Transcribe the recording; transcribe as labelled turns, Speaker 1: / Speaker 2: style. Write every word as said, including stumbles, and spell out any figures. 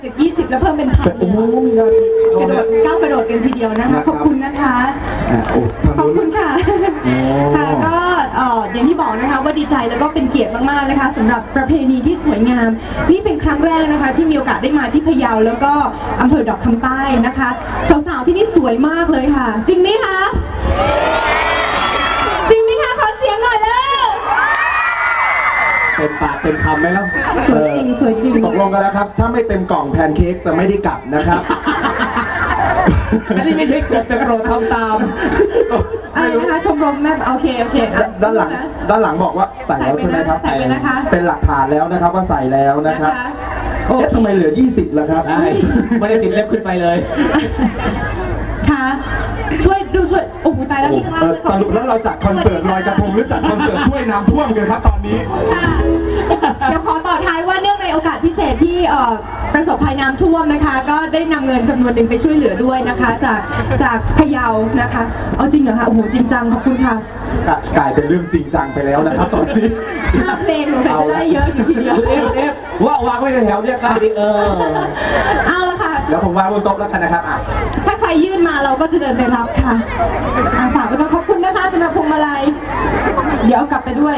Speaker 1: จากยี่สิบแล้วเพิ่มเป็นพัน
Speaker 2: โอ้โหมีงาน
Speaker 1: กระโดดก้าวกระโดดกันทีเดียวนะคะขอบคุณนะคะขอบคุณค่ะค่ะก็อย่างที่บอกนะคะว่าดีใจแล้วก็เป็นเกียรติมากๆนะคะสำหรับประเพณีที่สวยงามนี่เป็นครั้งแรกนะคะที่มีโอกาสได้มาที่พะเยาแล้วก็อำเภอดอกคำใต้นะคะสาวๆที่นี่สวยมากเลยค่ะจริงไหมคะจริงไหมคะขอเสียงหน่อยเลย
Speaker 2: เต็มปากเต็มคำไหมครับ
Speaker 1: สวยจริงสวยจริง
Speaker 2: ตกลงกันแล้วครับถ้าไม่เต็มกล่องแพนเค้กจะไม่ได้กลับนะครับอันนี้ไม่ใช่กดแต่โปรดทำตาม
Speaker 1: อะไรนะคะชมรมแม่โอเคโอเค
Speaker 2: ด้านหลังด้านหลังบอกว่าใส่แล้วใช่ไหมครับ
Speaker 1: ใส่ไปนะคะ
Speaker 2: เป็นหลักฐานแล้วนะครับว่าใส่แล้วนะครับเอ๊ะทำไมเหลือยี่สิบล่ะครับไม่ได้ติดเล็บขึ้นไปเลย
Speaker 1: ค่ะช่วยดูช่วยโอ้โหตายแล้วที่ข้างล่าง
Speaker 2: สรุปแล้วเราจัดคอนเสิร์ตลอยกระทงหรือจัดคอนเสิร์ตช่วยน้ำท่วมกันครับตอนนี้
Speaker 1: เดี๋ยวขอต่อท้ายว่าเนื่องในโอกาสพิเศษที่ประสบภัยน้ำท่วมนะคะก็ได้นำเงินจำนวนหนึ่งไปช่วยเหลือด้วยนะคะจากจากพะเยานะคะเอาจริงเหรอคะโอ้โหจริงจังขอบคุณค่ะ
Speaker 2: กลายเป็นเรื่องจริงจังไปแล้วนะครับตอนนี้
Speaker 1: ห้าเพลงหนูใส่ได้เยอะอยู่ทีเดียว
Speaker 2: เอฟเอฟว่าวางไว้ในแถวเนี่ยครับเออ
Speaker 1: เอาละค่ะ
Speaker 2: แล้วผมวางบนโต๊ะแล้วกันนะครับ
Speaker 1: ถ้าใครยื่นมาเราก็จะเดินไปรับค่ะฝากไว้ก่อนขอบคุณนะคะสำหรับพวงมาลัยเดี๋ยวกลับไปด้วย